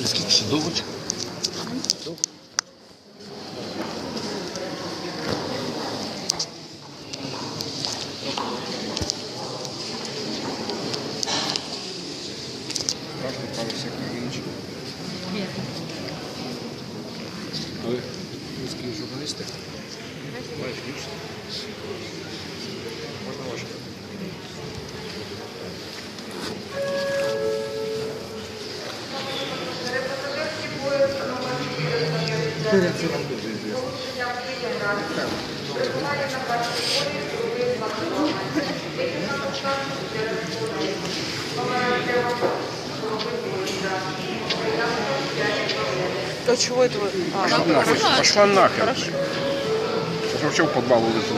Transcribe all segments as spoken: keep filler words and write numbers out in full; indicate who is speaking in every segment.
Speaker 1: Скільки ще довочка?
Speaker 2: Красный, правый сектор, Винничек. А вы русские журналисты? Знаешь, видишь? Можно ваше?
Speaker 3: А чего это вы? А,
Speaker 2: Пошла нахер. Пошла нахер.
Speaker 3: Хорошо.
Speaker 2: Сейчас вообще в подвал улезу.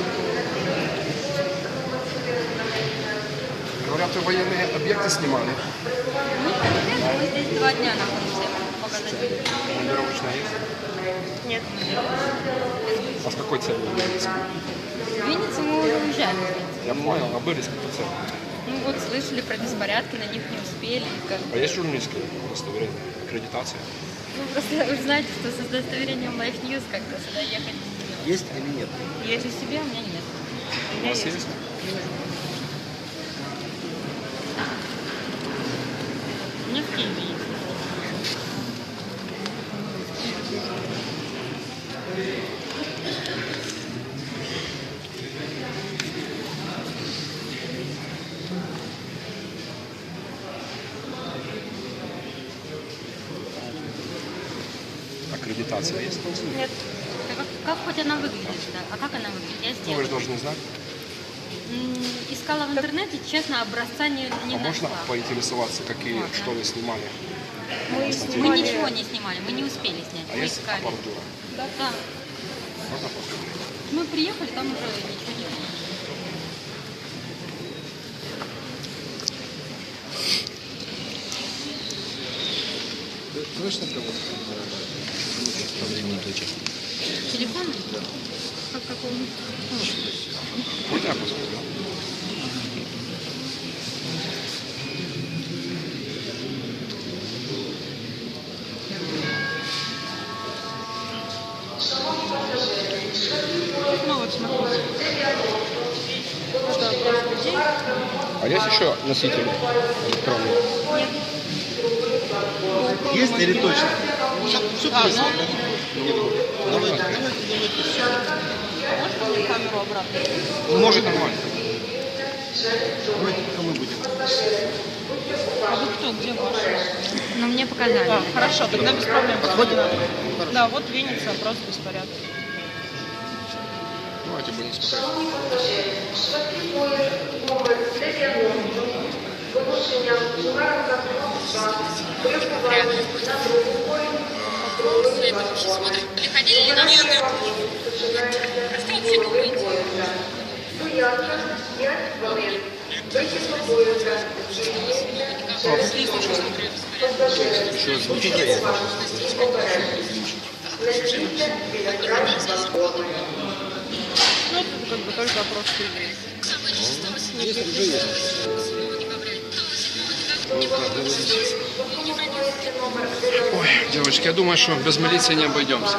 Speaker 2: Говорят, вы военные объекты снимали.
Speaker 4: Мы здесь два дня находимся. Показать.
Speaker 2: Командировочная есть?
Speaker 3: Нет.
Speaker 2: А с какой целью вы были?
Speaker 4: В Виннице мы уже уезжаем.
Speaker 2: Я понял, а были с какой целью?
Speaker 4: Ну вот слышали про беспорядки, на них не успели. Как...
Speaker 2: А есть журналистское удостоверение? Аккредитация?
Speaker 4: Ну просто вы же знаете, что с удостоверением Life News как-то сюда ехать.
Speaker 1: Есть или нет?
Speaker 4: Есть у себя, у меня нет.
Speaker 2: У вас есть?
Speaker 4: У меня в Киеве есть.
Speaker 2: Аккредитация есть?
Speaker 3: Нет.
Speaker 4: Как, как хоть она выглядит, да? А как она выглядит? Я
Speaker 2: Ну, вы
Speaker 4: сделала.
Speaker 2: же должны знать.
Speaker 4: М, Искала в интернете, честно, образца не, не
Speaker 2: А можно
Speaker 4: нашла.
Speaker 2: поинтересоваться, какие,
Speaker 4: Можно.
Speaker 2: что вы снимали?
Speaker 3: Мы
Speaker 4: Мы
Speaker 3: снимали...
Speaker 4: ничего не снимали, мы не успели снять.
Speaker 2: А
Speaker 4: мы
Speaker 2: есть
Speaker 4: искали.
Speaker 2: аппаратура?
Speaker 4: Да.
Speaker 2: Можно посмотреть?
Speaker 4: Мы приехали, там уже ничего не было.
Speaker 1: Знаешь, на кого? По времени точек.
Speaker 4: Телефон? Да. Как какого?
Speaker 2: Вот я посмотрю.
Speaker 3: Ну вот смотрите. Это просто людей.
Speaker 2: А есть еще носители электронные?
Speaker 1: Есть или точно? Все
Speaker 3: А,
Speaker 1: точно.
Speaker 3: ну,
Speaker 1: Давайте, давайте, давайте.
Speaker 3: можно мне камеру обратно?
Speaker 2: Ну, может, нормально.
Speaker 1: Давайте, пока мы будем.
Speaker 3: А вы кто? Где машина?
Speaker 4: Ну, мне показали.
Speaker 3: А, хорошо, тогда без проблем.
Speaker 1: Подходим?
Speaker 3: Надо. Да, вот Винница, просто беспорядок.
Speaker 2: Давайте будем смотреть.
Speaker 4: Приходили ли наши? Что вообще думаете?
Speaker 1: Еще звучит, я сейчас
Speaker 3: Ну, как бы только просто людей.
Speaker 1: есть, уже есть.
Speaker 2: Ой, девочки, я думаю, что без милиции не обойдемся.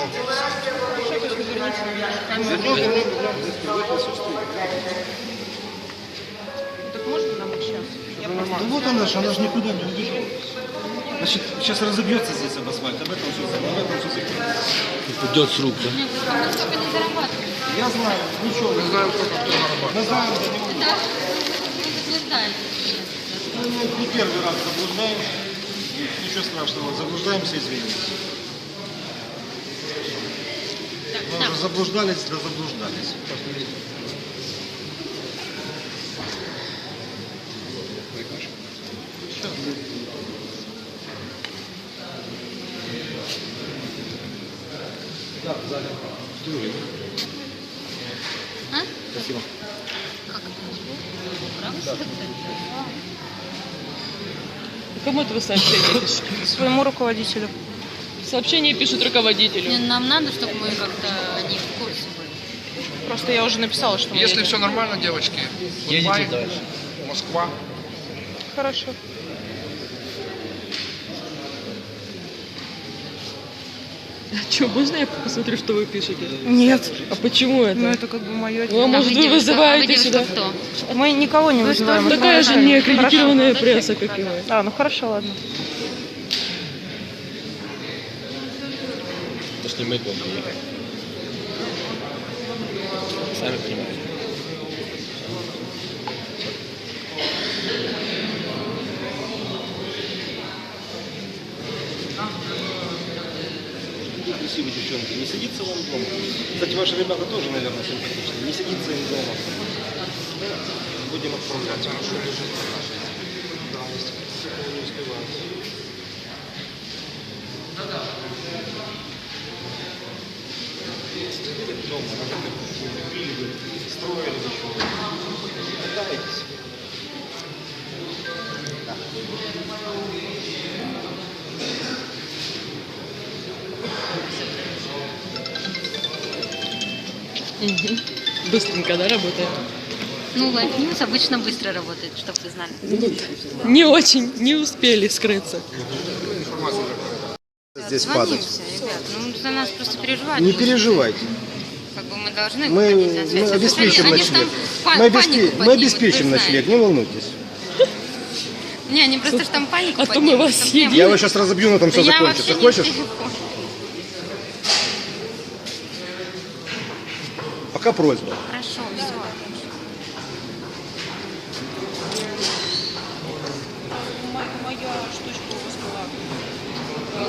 Speaker 3: Так можно нам их сейчас? Я просто...
Speaker 1: Ну вот она же, она же никуда не убежала. Значит, сейчас разобьется здесь об асфальт, об этом все, об этом все. Упадет с рук, да?
Speaker 4: Нет, мы столько не зарабатываем.
Speaker 1: Я знаю, ничего.
Speaker 2: Мы знаем только, кто зарабатывает.
Speaker 1: Мы знаем, что не
Speaker 4: Да, вы заблуждаетесь.
Speaker 1: мы не первый раз заблуждаемся. Ничего страшного, заблуждаемся, извините.
Speaker 4: Так,
Speaker 1: Мы
Speaker 4: так.
Speaker 1: уже заблуждались, да заблуждались. Да, в зале.
Speaker 4: А?
Speaker 1: Спасибо.
Speaker 4: Как это? Право себе?
Speaker 3: Кому это вы сообщение пишете? Своему руководителю. Сообщение пишет руководителю.
Speaker 4: Нам надо, чтобы мы как-то не в курсе были.
Speaker 3: Просто я уже написала, что мы
Speaker 2: Если
Speaker 3: едем.
Speaker 2: все нормально, девочки,
Speaker 1: Едете дальше.
Speaker 2: Москва.
Speaker 3: Хорошо. Че, можно я посмотрю, что вы пишете?
Speaker 5: Нет.
Speaker 3: А почему это?
Speaker 5: Ну, это как бы мое
Speaker 3: Ну, а
Speaker 5: дело.
Speaker 3: может,
Speaker 4: вы
Speaker 3: вы
Speaker 4: девушка, а вы
Speaker 3: вызываете
Speaker 4: девушка
Speaker 3: сюда?
Speaker 4: кто?
Speaker 5: Мы никого не
Speaker 4: Вы
Speaker 5: вызываем.
Speaker 4: что,
Speaker 5: мы
Speaker 3: Такая же
Speaker 5: просто-
Speaker 3: неаккредитированная пресса, как и вы.
Speaker 5: А, ну хорошо, ладно.
Speaker 6: Точнее, мы дома ехали. Сами понимаете.
Speaker 1: Какие красивые девчонки. Не сидится вам дома. Кстати, ваши ребята тоже, наверное, симпатичные. Не сидится им дома. Будем отправлять. Да, если кто не успевает. Сидите дома, надо как пили бы, строили бы еще. Катаетесь.
Speaker 3: Мгм. Быстренько, да, работает?
Speaker 4: Ну, Life News обычно быстро работает, чтобы вы знали.
Speaker 3: Не очень, не успели скрыться.
Speaker 7: Здесь падать.
Speaker 4: Звонимся, ребят. Ну, за нас просто переживать.
Speaker 7: Не
Speaker 4: будут.
Speaker 7: переживайте.
Speaker 4: Как бы мы должны
Speaker 7: Мы,
Speaker 4: выходить на связь.
Speaker 7: мы обеспечим
Speaker 4: Они- они ж
Speaker 7: ночлег.
Speaker 4: там па-
Speaker 7: Мы,
Speaker 4: панику
Speaker 7: обеспе- мы
Speaker 4: поднимут,
Speaker 7: обеспечим
Speaker 4: вы
Speaker 7: ночлег,
Speaker 4: знаете.
Speaker 7: не волнуйтесь.
Speaker 4: Не, они просто ж там панику
Speaker 3: А то мы
Speaker 4: поднимут,
Speaker 3: вас
Speaker 4: чтоб не
Speaker 3: съедим.
Speaker 4: было.
Speaker 7: Я его сейчас разобью, но там все
Speaker 4: Я
Speaker 7: закончится.
Speaker 4: вообще не
Speaker 7: Хочешь?
Speaker 4: в телефоне.
Speaker 7: Пока просьба.
Speaker 4: Хорошо, все.
Speaker 5: Моя штучка у вас была.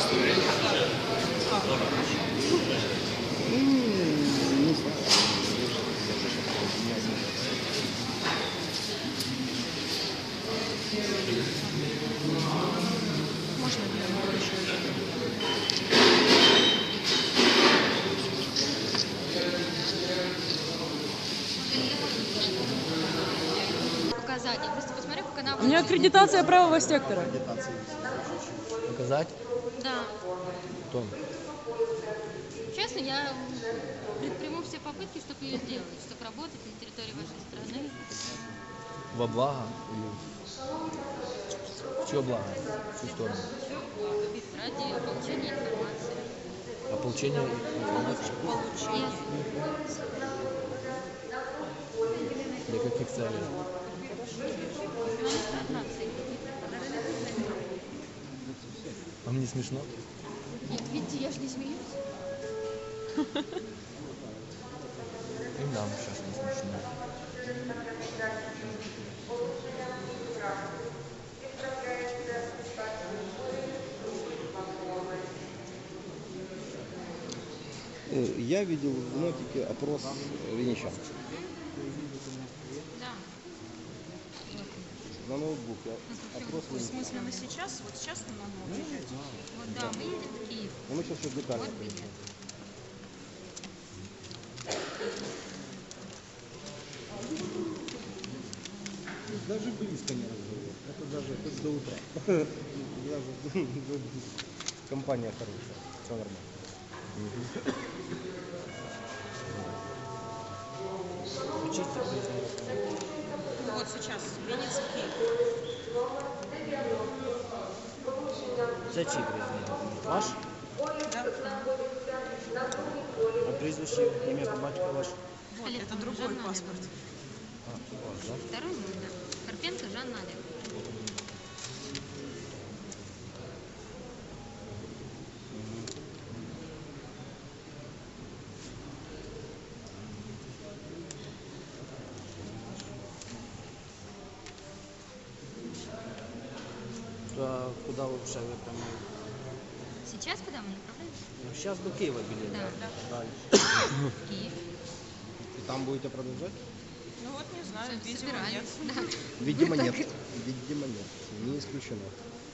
Speaker 4: Показания. Просто посмотри, как она...
Speaker 3: У меня аккредитация правого сектора.
Speaker 6: Показать?
Speaker 4: Да.
Speaker 6: Том.
Speaker 4: Честно, я предприму все попытки, чтобы ее сделать, чтобы работать на территории вашей страны.
Speaker 6: Во благо или в чье благо? В чью сторону?
Speaker 4: Ради получения информации.
Speaker 6: А получение информации
Speaker 4: Получения.
Speaker 6: для каких целей? Вам не смешно?
Speaker 4: Нет, видите, я же не смеюсь.
Speaker 6: И нам сейчас не смешно.
Speaker 7: Э, Я видел в нотике опрос венечан.
Speaker 4: Да.
Speaker 7: На ноутбуке опрос
Speaker 5: В
Speaker 7: венечан.
Speaker 5: смысле, на сейчас? Вот сейчас мы на уезжать?
Speaker 4: Вот да, мы едем в Киев.
Speaker 7: Ну, мы сейчас все
Speaker 4: Вот
Speaker 7: детально.
Speaker 4: билет.
Speaker 7: Даже близко не разговор. Это даже хоть до утра. Даже компания хорошая. Все нормально.
Speaker 5: Вот сейчас. Венеция, Киев.
Speaker 8: Це чий приїзний документ? Ваш?
Speaker 5: Да?
Speaker 8: А прізвище, ім'я по батьку ваш?
Speaker 5: Вот, это другой паспорт.
Speaker 8: А, це ваш, так?
Speaker 4: Второй мой, да. Карпенко Жанна Олеговна.
Speaker 8: А куди ви вже ви прямо?
Speaker 4: Сейчас куда мы направляемся?
Speaker 8: Ну, зараз до Києва білет.
Speaker 4: Да.
Speaker 8: Далі.
Speaker 4: В Киев.
Speaker 7: И там будете продолжать?
Speaker 5: Ну вот не знаю, видимо нет.
Speaker 4: Собираемся. Да.
Speaker 7: Видимо, нет. Видимо, нет. Не исключено.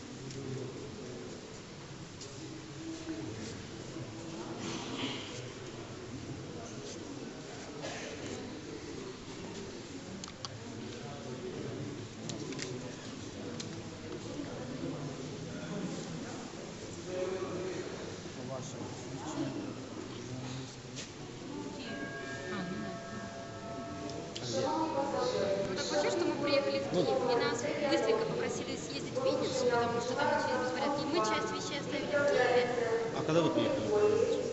Speaker 4: А, ну да. Ну так вообще, что мы приехали в Киев, и нас быстренько попросили съездить в Винницу, потому что там начались беспорядки. И мы часть вещей оставили в Киеве.
Speaker 1: А когда вы приехали?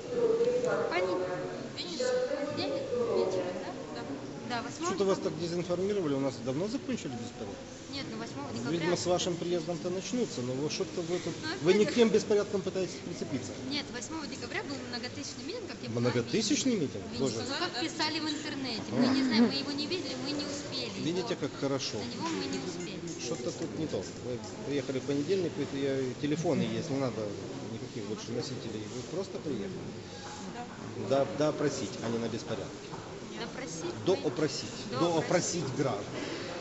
Speaker 4: Понедельник. Понедельник? Вечером, да? Да. Да, восьмого
Speaker 1: Что-то вас
Speaker 4: декабря.
Speaker 1: так дезинформировали, у нас давно закончили беспорядки.
Speaker 4: Нет, ну восьмого декабря.
Speaker 1: Видимо, с вашим приездом-то начнутся, но вы что-то вы тут...
Speaker 4: Ну,
Speaker 1: Вы не
Speaker 4: опять
Speaker 1: к тем беспорядкам пытаетесь прицепиться.
Speaker 4: Нет, восьмого декабря был многотысячный митинг, как я понимаю,
Speaker 1: Многотысячный митинг?
Speaker 4: в Виннице.
Speaker 1: Боже.
Speaker 4: Ну, как писали в интернете. Мы не знаем, мы его не видели, мы не успели.
Speaker 1: Видите,
Speaker 4: его-
Speaker 1: как хорошо.
Speaker 4: На него мы не успели.
Speaker 1: Что-то тут не то. Вы приехали в понедельник, вы- я, телефоны есть, не надо никаких больше носителей. Вы просто приехали. Да, да опросить, а не на беспорядке.
Speaker 4: Допросить. мы-
Speaker 1: Доопросить.
Speaker 4: Доопросить.
Speaker 1: Доопросить граждан.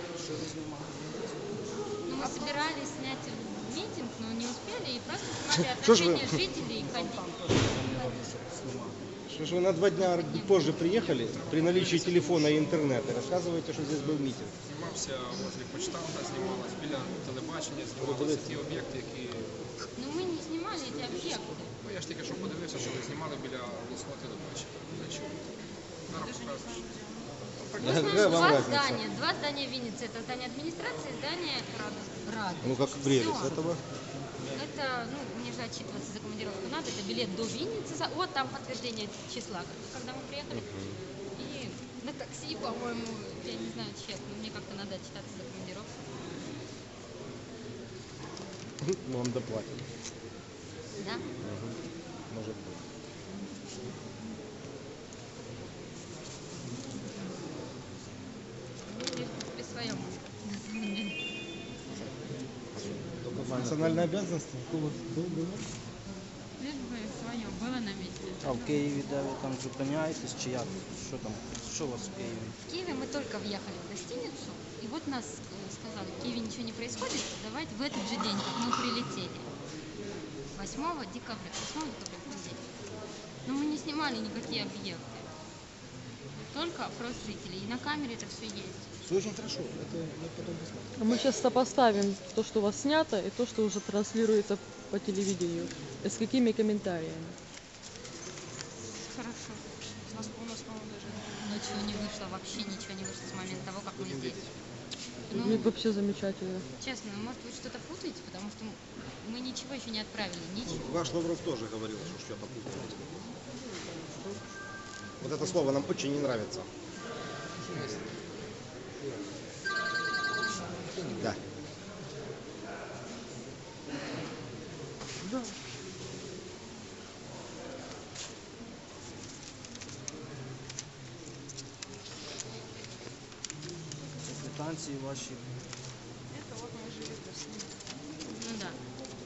Speaker 4: Ну, мы собирались снять митинг, но не успели, и просто снимали
Speaker 1: Что ж вы-
Speaker 4: отношения жителей и ходили.
Speaker 1: Что ж вы на два дня позже приехали, при наличии телефона и интернета, и рассказываете, что здесь был митинг.
Speaker 2: Знімався возле почтамта, знімалась біля телебачення, знімалися ті об'єкти, які...
Speaker 4: Но мы не снимали эти объекты.
Speaker 2: Ну, я ж тільки що подивився, що ви знімали біля обласного телебачення. Для чого? Зараз покажеш.
Speaker 4: Мы
Speaker 1: Какая
Speaker 4: знаем
Speaker 1: вам
Speaker 4: два
Speaker 1: разница?
Speaker 4: здания. Два здания Винницы. Это здание администрации и здание Рады.
Speaker 1: Ну как прелесть
Speaker 4: Всё.
Speaker 1: этого.
Speaker 4: Это, ну, мне же отчитываться за командировку надо. Это билет до Винницы. За- Вот там подтверждение числа, когда мы приехали. И на такси, по-моему, я не знаю, чек, но мне как-то надо отчитаться за командировку.
Speaker 1: Вам доплатят.
Speaker 4: Да?
Speaker 1: Может быть.
Speaker 4: Ну, мне, в принципе, своем. На самом деле.
Speaker 1: Национальные обязанности?
Speaker 4: Лишь бы свое было на месте.
Speaker 8: А в Києві, де ви там зупиняєтесь, чи як? Що там? Що у вас в Києві?
Speaker 4: В Киеве мы только въехали в гостиницу, и вот нас э, сказали, в Киеве ничего не происходит, давайте в этот же день, как мы прилетели. восьмого декабря. восьмого декабря в понедельник. Но мы не снимали никакие объекты. Только опрос жителей. И на камере это все есть.
Speaker 1: Все очень хорошо. Это мы потом посмотрим.
Speaker 3: А мы сейчас сопоставим то, что у вас снято, и то, что уже транслируется по телевидению. И с какими комментариями.
Speaker 5: Хорошо. У нас, у нас, по-моему, даже...
Speaker 4: Ничего не вышло, вообще ничего не вышло с момента того, как мы здесь.
Speaker 3: Ну,
Speaker 4: Ну,
Speaker 3: вообще замечательно.
Speaker 4: честно, может вы что-то путаете, потому что мы ничего еще не отправили, ничего.
Speaker 1: Ваш Лавров тоже говорил, что что-то путаете. Вот это слово нам очень не нравится. Да.
Speaker 8: Це квитанції ваші.
Speaker 5: Это вот мы жили в России.
Speaker 4: Ну да.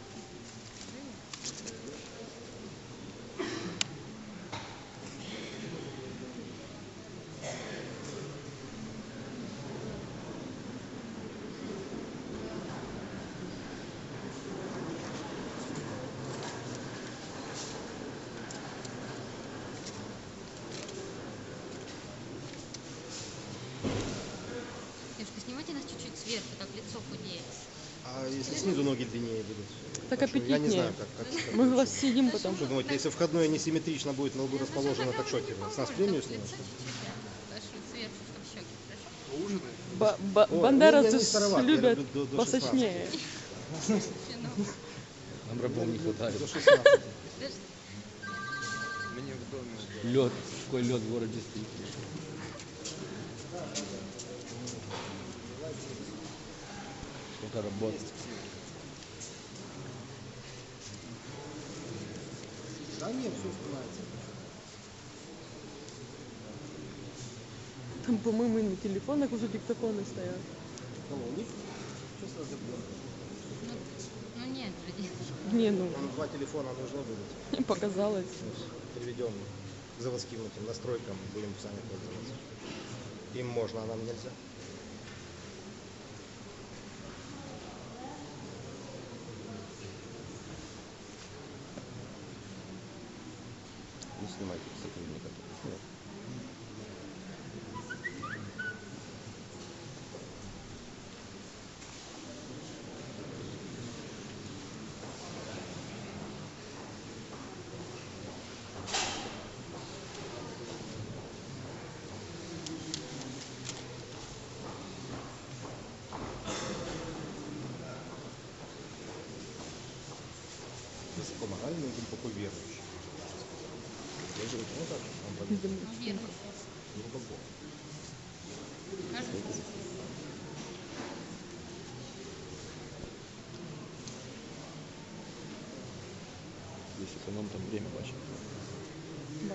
Speaker 4: Девушка, снимайте нас чуть-чуть сверху, так лицо худеет.
Speaker 1: А если снизу ноги длиннее будут?
Speaker 3: Так
Speaker 1: Потому что я не знаю,
Speaker 3: аппетитнее.
Speaker 1: как, как, как
Speaker 3: Мы
Speaker 1: лучше.
Speaker 3: вас сидим потом.
Speaker 1: Что думаете, если входное несимметрично будет на лбу расположено, так что теперь? С нас премию снимут?
Speaker 4: Лицо чуть-чуть, да. Даже сверху, чтобы щеки, хорошо?
Speaker 2: Ужинай.
Speaker 3: Ба- ба-
Speaker 1: Ой,
Speaker 3: бандеровцы
Speaker 1: ну, я не староват, я
Speaker 3: любят
Speaker 1: люблю до- до
Speaker 3: посочнее.
Speaker 6: Нам рабов не хватает.
Speaker 1: До шестнадцати.
Speaker 2: Мені в домі.
Speaker 6: Лед, какой лед в городе стоит. Сколько работы.
Speaker 1: Да нет, все снимается.
Speaker 3: Там, по-моему, и на телефонах уже диктофоны стоят.
Speaker 1: Кого, у них? Сейчас разобьем.
Speaker 4: Ну нет же, девушка.
Speaker 3: Не, ну,
Speaker 1: Там два телефона нужно будет.
Speaker 3: показалось.
Speaker 1: Переведем к заводским этим настройкам, будем сами пользоваться. Им можно, а нам нельзя. Не снимайте сотрудника. Нет. Высокоморальный, глубоко верующий.
Speaker 6: Я же говорю, ну так, там
Speaker 3: С
Speaker 6: подъезд.
Speaker 3: земли.
Speaker 4: Ну, вверх.
Speaker 6: Ну, по боку.
Speaker 4: Кажется.
Speaker 6: Здесь эконом там время бачит.
Speaker 3: Да.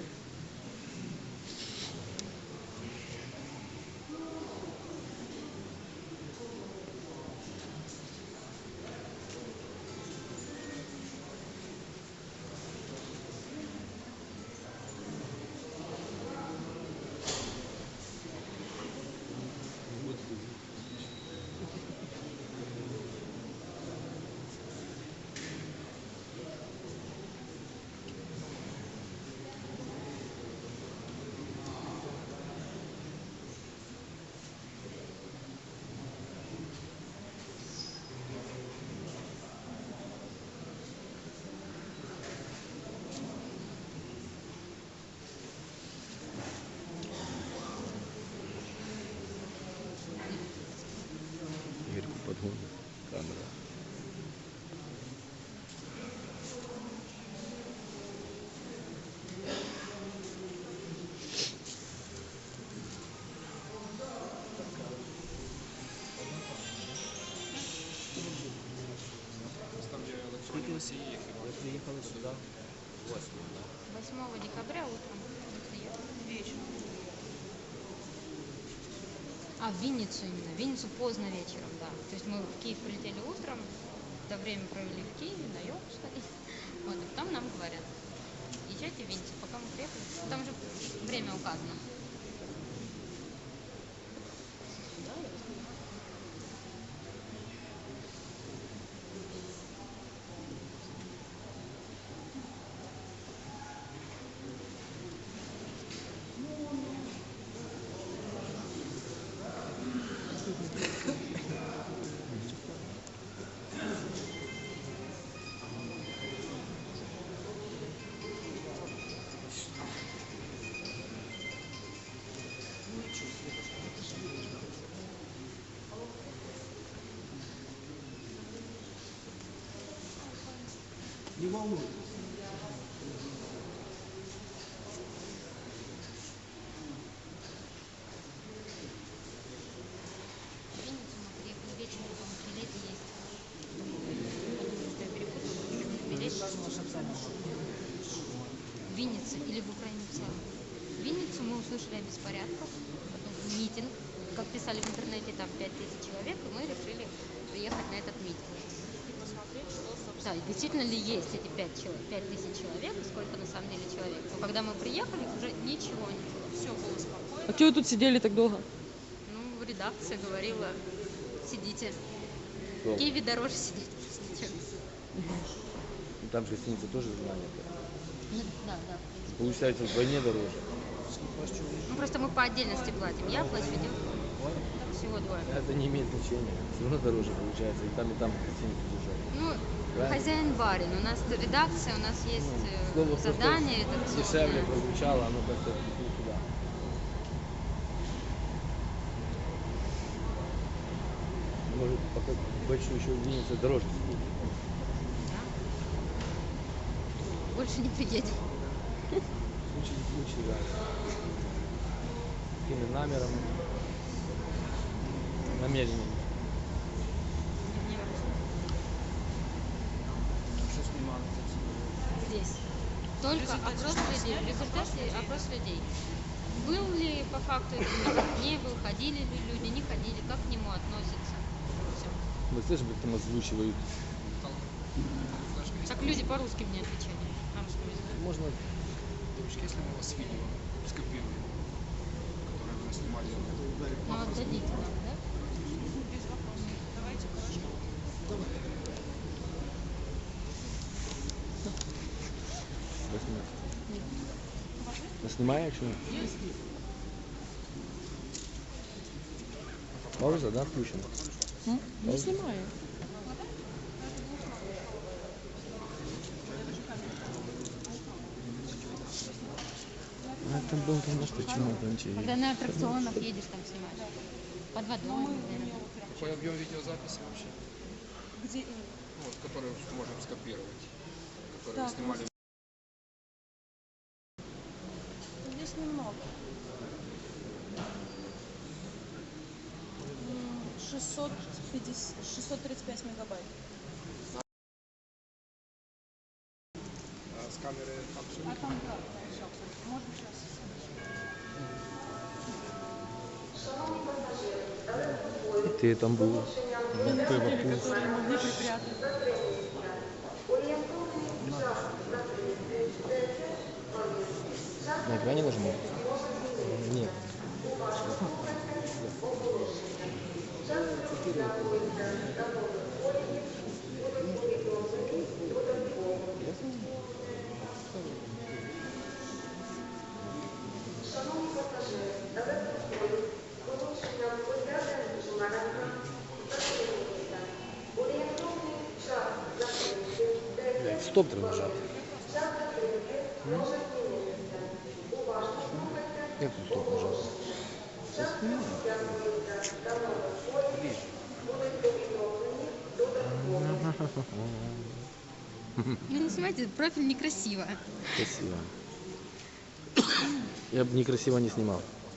Speaker 6: Игорьку подгон. Камера.
Speaker 2: Там, где электронные носии
Speaker 8: Ви приїхали сюди восьмого, да?
Speaker 4: восьмого декабря утром.
Speaker 5: Вечером.
Speaker 4: А, в Винницу именно. В Винницу поздно вечером, да. То есть мы в Киев прилетели утром, это время провели в Киеве, на йогу сходили. Вот, и потом нам говорят, езжайте в Винницу, пока мы приехали. Там же время указано.
Speaker 7: Не волнуйтесь.
Speaker 4: В Винницу мы приехали вечером, потому что билеты есть. Подумали, что я перепутала, билет. В Виннице или в Украине в целом. В Винницу мы услышали о беспорядках, потом митинг. Как писали в интернете, там пять тысяч человек, и мы решили приехать на этот митинг.
Speaker 5: И посмотреть, что, собственно,
Speaker 4: Да, и действительно ли есть эти пять тысяч человек, и сколько на самом деле человек. Но когда мы приехали, уже ничего не было.
Speaker 5: все было спокойно.
Speaker 3: А что вы тут сидели так долго?
Speaker 4: Ну, редакция говорила, сидите.
Speaker 6: Долго.
Speaker 4: В Киеве дороже сидеть. чем-
Speaker 6: Ну, там же гостиница тоже занята.
Speaker 4: Ну, да, да.
Speaker 6: Получается вдвойне дороже.
Speaker 4: Ну, просто мы по отдельности платим. Я плачу, девушка. Всего двое.
Speaker 6: Это не имеет значения. Все равно дороже получается. И там, и там гостиницу держать.
Speaker 4: Ну,
Speaker 6: Правильно.
Speaker 4: хозяин барин. У нас редакция, у нас есть э,
Speaker 6: Слово просто
Speaker 4: задание. редакционное.
Speaker 6: дешевле прозвучало, оно как-то не туда. Может, пока большую еще в Виннице дороже стоит.
Speaker 4: Да. Больше не приедем.
Speaker 6: Случай не случай, да. Какими намерами, намерениями.
Speaker 8: Що знімали?
Speaker 4: Здесь. Только опрос людей. В результате опрос людей. Был ли по факту этот митинг, не был, ходили ли люди, не ходили, как к нему относятся. Все.
Speaker 6: Вы слышишь, как там озвучивают?
Speaker 4: Так люди по-русски мне отвечали. На русском языке.
Speaker 6: Можно
Speaker 2: Девочки, если мы у вас видео скопируем, которое вы снимали,
Speaker 4: Ну, отдадите нам, да?
Speaker 5: Без вопросов. Давайте, хорошо.
Speaker 6: Снимаю, якщо? Пауза, да, включена?
Speaker 3: М? Не снимаю.
Speaker 6: А там был там на что, чему там
Speaker 4: Когда на аттракционах едешь, там снимаешь. Под водой, наверное.
Speaker 2: какой объем видеозаписи вообще?
Speaker 5: Где именно?
Speaker 2: Ну, вот, который можем скопировать, который
Speaker 5: Так,
Speaker 2: вы снимали.
Speaker 5: шестьсот пятьдесят, шестьсот тридцать пять мегабайт.
Speaker 2: А с камеры там все
Speaker 5: А там да, все, можно сейчас.
Speaker 6: Ты там был.
Speaker 3: Люди, которые могли припрятать.
Speaker 7: На экране нажимал? Нет. Стоп треба нажати. Як тут стоп нажати?
Speaker 4: Ну не снимайте, профиль некрасиво.
Speaker 6: Красиво. Я бы некрасиво не снимал.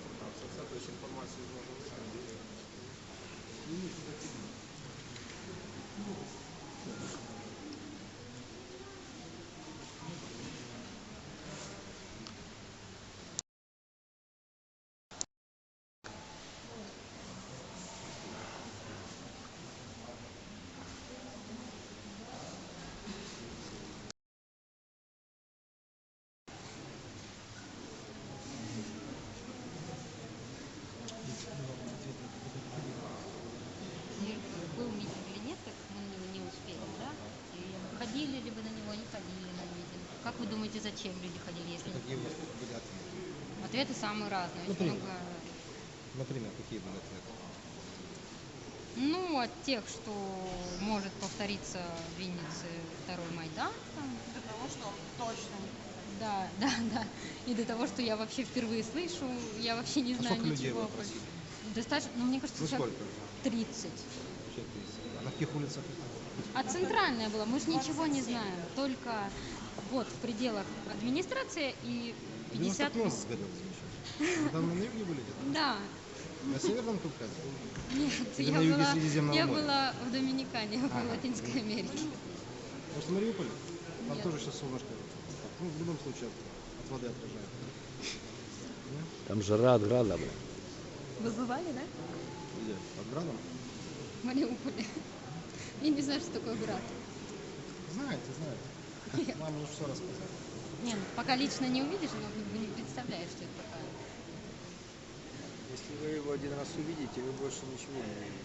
Speaker 4: Был митинг или нет, так мы на него не успели, да? И ходили ли вы на него, не ходили на митинг? Как вы думаете, зачем люди ходили, если не...
Speaker 1: Какие у вас были ответы?
Speaker 4: Ответы самые разные. Очень
Speaker 1: Например?
Speaker 4: много...
Speaker 1: Например, какие были ответы?
Speaker 4: Ну, от тех, что может повториться в Виннице второй Майдан. Там.
Speaker 5: До того, что он точно не
Speaker 4: Да, да, да. И до того, что я вообще впервые слышу, я вообще не
Speaker 1: А
Speaker 4: знаю
Speaker 1: сколько людей
Speaker 4: ничего.
Speaker 1: вы опросили?
Speaker 4: Достаточно, ну, мне кажется,
Speaker 1: Ну
Speaker 4: сейчас
Speaker 1: сколько?
Speaker 4: тридцать.
Speaker 1: Вообще тридцать. А на каких улицах?
Speaker 4: А центральная была, мы же ничего не знаем. Только вот в пределах администрации и пятьдесят...
Speaker 1: девяносто нос сгорел замечательно. Там на юге были где-то?
Speaker 4: Да.
Speaker 1: На Северном Кавказе?
Speaker 4: Нет,
Speaker 1: Или
Speaker 4: я,
Speaker 1: на юге
Speaker 4: была,
Speaker 1: Средиземного
Speaker 4: я
Speaker 1: моря?
Speaker 4: была в Доминикане, в
Speaker 1: Ага.
Speaker 4: Латинской Америке.
Speaker 1: Может, в Мариуполе? Там
Speaker 4: Нет.
Speaker 1: тоже сейчас солнышко. Ну, в любом случае, от, от воды отражает.
Speaker 6: Там жара от града, бля.
Speaker 4: Вы бывали, да?
Speaker 1: Где? Под градом?
Speaker 4: В Мариуполе. Я не знаю, что такое град.
Speaker 1: Знаете, знаете. Нам уже все рассказать.
Speaker 4: Не, ну, пока лично не увидишь, вы не представляешь, что это такое.
Speaker 7: Если вы его один раз увидите, вы больше ничего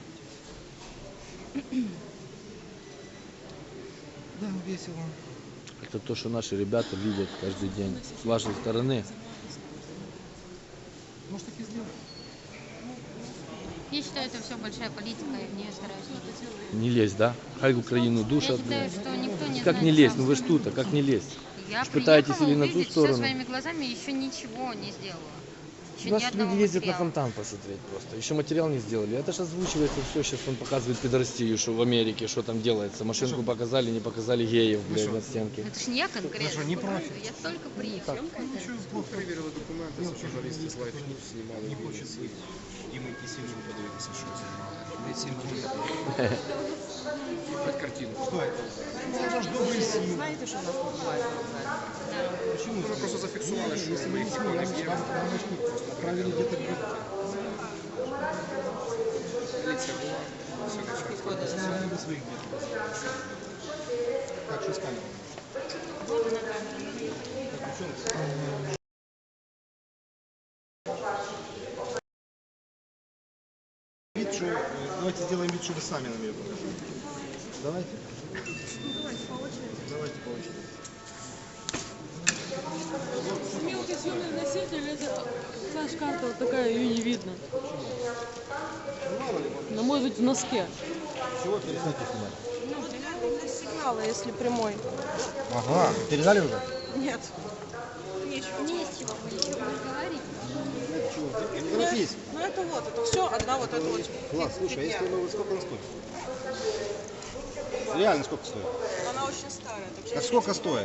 Speaker 7: не увидите.
Speaker 1: Да, весело.
Speaker 6: Это то, что наши ребята видят каждый день с вашей стороны.
Speaker 1: Может, так и сделать.
Speaker 4: Я считаю, это все большая политика, и мне стараюсь не...
Speaker 6: Не лезь, да? Хай Украину
Speaker 4: Я
Speaker 6: душат.
Speaker 4: считаю, что никто не
Speaker 6: Как
Speaker 4: знает
Speaker 6: не лезть?
Speaker 4: сам
Speaker 6: Ну вы ж
Speaker 4: суть.
Speaker 6: тут, а как не лезть?
Speaker 4: Я
Speaker 6: Ж пытаетесь
Speaker 4: приехала
Speaker 6: или на ту
Speaker 4: увидеть
Speaker 6: сторону?
Speaker 4: все своими глазами, еще ничего не сделала. Еще
Speaker 6: У нас
Speaker 4: ни одного
Speaker 6: люди ездят на
Speaker 4: материала.
Speaker 6: фонтан посмотреть просто. Еще материал не сделали. Это же озвучивается все. Сейчас он показывает пидорастию, что в Америке, что там делается. Машинку показали, не показали геев, блядь, на стенке.
Speaker 4: Это ж не я конкретно.
Speaker 1: Хорошо, не
Speaker 4: показываю,
Speaker 1: профиль.
Speaker 4: Я только приехала.
Speaker 1: Ничего плохо.
Speaker 2: Проверили документи, журналісти з Life News знімали.
Speaker 1: Не хочет быть. Димой Киселевым подивитися, що знімали.
Speaker 2: Хоть картину.
Speaker 1: Что это? Это же добрый сил.
Speaker 5: знаете, что у нас бывает?
Speaker 1: Почему?
Speaker 2: Ми просто зафіксували, що
Speaker 1: Если
Speaker 2: ми
Speaker 1: мы
Speaker 2: їх
Speaker 1: вам
Speaker 2: не б'ємо.
Speaker 1: просто отправили где-то где-то.
Speaker 2: Поліція була, все начальство.
Speaker 1: Сделали бы своих где-то. Так, что с камерой?
Speaker 5: Вот она камера.
Speaker 1: Так, ну что? Вид, что, э, давайте сделаем вид, что вы сами нам ее покажете. Давайте.
Speaker 5: Давайте по очереди.
Speaker 1: Давайте по очереди.
Speaker 3: Мелкий съемный носитель, это флеш-карта вот такая, ее не видно. Она может быть в носке.
Speaker 1: Чего перестаньте снимать?
Speaker 5: Ну, примерно сигнала, если прямой.
Speaker 1: Ага, передали уже?
Speaker 5: Нет. Нечего.
Speaker 4: Не с чего, мы ничего не говорим.
Speaker 1: У нас есть.
Speaker 5: Ну это вот, это все одна вот эта вот
Speaker 1: Класс, слушай, а
Speaker 5: фигня.
Speaker 1: если ну, сколько она стоит? Реально сколько стоит?
Speaker 5: Она очень старая. Так что
Speaker 1: Так
Speaker 5: я
Speaker 1: сколько
Speaker 5: не
Speaker 1: стоит?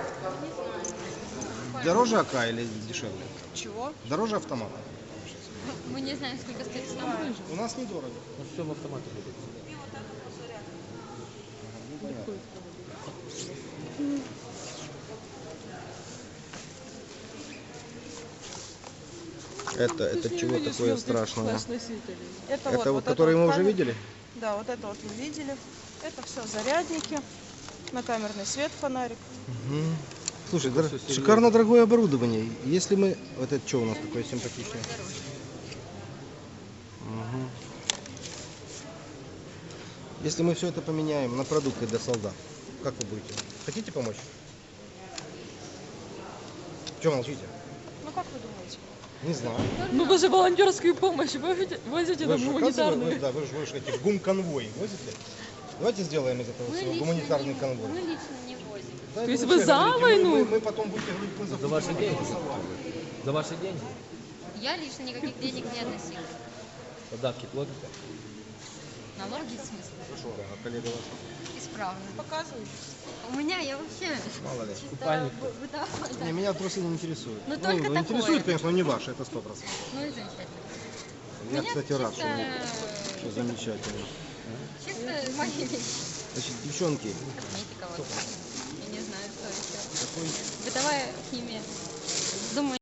Speaker 5: знаю.
Speaker 1: Дороже АК или дешевле?
Speaker 5: Чего?
Speaker 1: Дороже автомата.
Speaker 4: Мы не знаем, сколько стоит сам.
Speaker 1: У нас недорого.
Speaker 6: Ну все в автомате будет.
Speaker 1: Это,
Speaker 3: Ты
Speaker 1: это
Speaker 3: ж не
Speaker 1: чего
Speaker 3: видишь
Speaker 1: такое
Speaker 3: звёздных
Speaker 1: страшного?
Speaker 3: флеш-носителей.
Speaker 5: Это,
Speaker 1: Это
Speaker 5: вот,
Speaker 1: вот,
Speaker 5: вот
Speaker 1: которые
Speaker 5: это
Speaker 1: мы
Speaker 5: вот
Speaker 1: уже
Speaker 5: камер-
Speaker 1: видели?
Speaker 5: Да, вот это вот вы видели. Это все зарядники, на камерный свет, фонарик.
Speaker 1: Мгм. Слушай, дор-
Speaker 6: всё серьёзно.
Speaker 1: шикарно дорогое оборудование. Если мы... Вот это что у нас такое симпатичное? Мгм. Если мы все это поменяем на продукты для солдат, как вы будете? Хотите помочь? Чего молчите?
Speaker 5: Ну как вы думаете?
Speaker 1: Не знаю.
Speaker 3: Ну вы же волонтерскую помощь возите, возите
Speaker 1: Вы
Speaker 3: нам
Speaker 1: же, оказывается,
Speaker 3: гуманитарную.
Speaker 1: вы- да, вы же, вы же эти гум-конвой возите? Давайте сделаем из этого
Speaker 4: Мы
Speaker 1: всего
Speaker 4: лично,
Speaker 1: гуманитарный
Speaker 4: не,
Speaker 1: конвой.
Speaker 4: мы лично не возим.
Speaker 1: Да,
Speaker 3: То есть
Speaker 1: это
Speaker 3: вы
Speaker 1: вообще
Speaker 3: за
Speaker 1: говорите, мы-
Speaker 3: войну?
Speaker 1: Мы, мы потом будете говорить, мы за,
Speaker 6: За ваши
Speaker 1: Путина
Speaker 6: деньги?
Speaker 1: голосовали.
Speaker 6: За ваши деньги?
Speaker 4: Я лично никаких денег не относила.
Speaker 6: Податки платите?
Speaker 4: Налоги в смысле?
Speaker 1: Хорошо, а коллега ваш?
Speaker 4: Исправно.
Speaker 5: Показываю.
Speaker 4: У меня я вообще
Speaker 1: Мало ли.
Speaker 4: чисто
Speaker 6: Купальник.
Speaker 4: бы- бытовая, да.
Speaker 1: Не, меня просто не интересует.
Speaker 4: Ну, только такое.
Speaker 1: интересует, конечно, но не ваше, это сто процентов.
Speaker 4: Ну и замечательно.
Speaker 1: Я,
Speaker 4: Меня
Speaker 1: кстати, рад, что,
Speaker 4: чисто-
Speaker 1: что замечательно.
Speaker 4: Чисто мои вещи.
Speaker 1: Значит, девчонки,
Speaker 4: Косметика вот. Я не знаю, что еще. Бытовая химия. Думаю,